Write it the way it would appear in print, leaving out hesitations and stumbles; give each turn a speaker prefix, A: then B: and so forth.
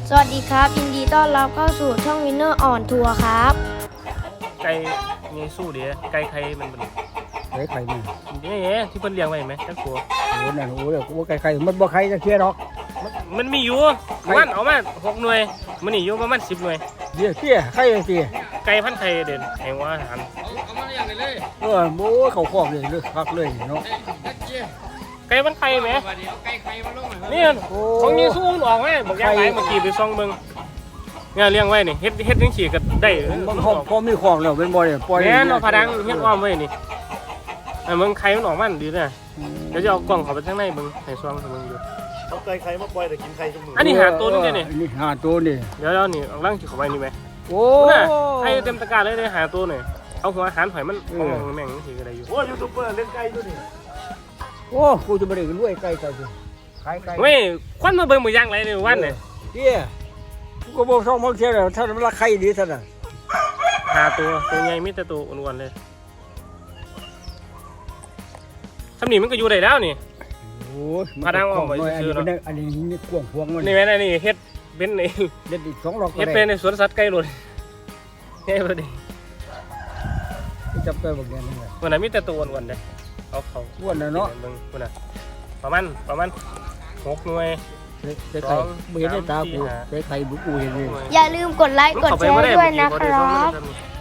A: สวัสดีครับยินดีต้อนรับเข้าสู่ช่องวินเนอร์ออนทัวร์ครับ
B: ไก่มีสู้ดีไก่ไข่มันเป็น
C: ไข่นี่
B: นี่ที่เพิ่นเลี้ยงไว้เห็นไหมจักตัว
C: โอ้นั่นโอ้เดี๋ยวไข่มันบ่ไข่จะเคี้ยวหรอก
B: มันมีอยู่มันเอามา6 หน่วยมันนี่อยู่ประมาณ10 หน่วย
C: เดี๋ยวเคี้ยไข่เคี้ย
B: ไก่พันไข่เด่นให้ว่าอาหาร
C: โอ้เขาครอบเลยเลือกคักเลยเนาะ
B: ไก่พันไข่ไหมนี่ของมีสู้ออกไหมบอกอย่างไรเมื่อกี้ไปซ่องเบิ่งเนี่ยเลี้ยงไว้นี่เฮ็ดจังซี่ก็ได้
C: มันพอมีครอบแล้วเป็นบ่ได้ปล่อย
B: แม่นเอาผาดังเฮ็ดอ้อมไว้นี่เบิ่งไข่มันออกมันดีนะเดี๋ยวจะเอากล่องเข้าไปข้างในเบิ่งให้ซ่องให้เบิ่งดู
D: เอาไก่ไข่มาปล่อยแต่กินไข่ทุกมื้อ
B: อันนี้หาตัวนึงเนี่ย
C: นี่หาตัวนี่
B: เดี๋ยวนี่เอาล่างเข้าไปนี่ไหม
C: โอ้
B: น่ะให้เต็มตะกร้าเลยหาตัวหน่อยเอาหัวอาหารหอยมันมองแม่งนี่คืออะไรอยู่
D: โอ้ยูทูบเบอร์เล่นไก่ด้วยนี่
C: โอ้กูจะบ่ได้รวยไก่เจ้าสิขายไก่
B: เว้ยควันมาเบิ่งมือย่างไรในวันเนี่ย
C: เคี้ยกูก็บ่ช่องบ่เคี้ยแล้วถ้ามันราไข่ดีซั่นน่ะ
B: หาตัวใหญ่มีแต่ตัวอ้วนๆเลยสำนีมันก็อยู่ได้แล้วนี่
C: โอ้ย
B: พาดังออกไป
C: อันนี้นี่กวางพวงมัน
B: นี่แม่นี่เฮ็ดเป็นไอ้
C: เด็ดอีก2รอบก็
B: เฮ็ด
C: ได้
B: เป็นในสวนสัตว์ไก่หลุดเฮ้ยพอดี
C: จับตัวบักแดงนี่แหละ
B: วันนั้นมีแต่ตัวอ้วนๆเลยเอาเขา
C: อ้วนน่ะเนาะ
B: เบิ่งคนน่ะประมาณ6 หน่วย
C: ใส่ไข่บ่เห็นได้ตากูใส่ไข่บุกูเห็นนี่
A: อย่าลืมกดไลค์กดแชร์ด้วยนะครับ
B: บ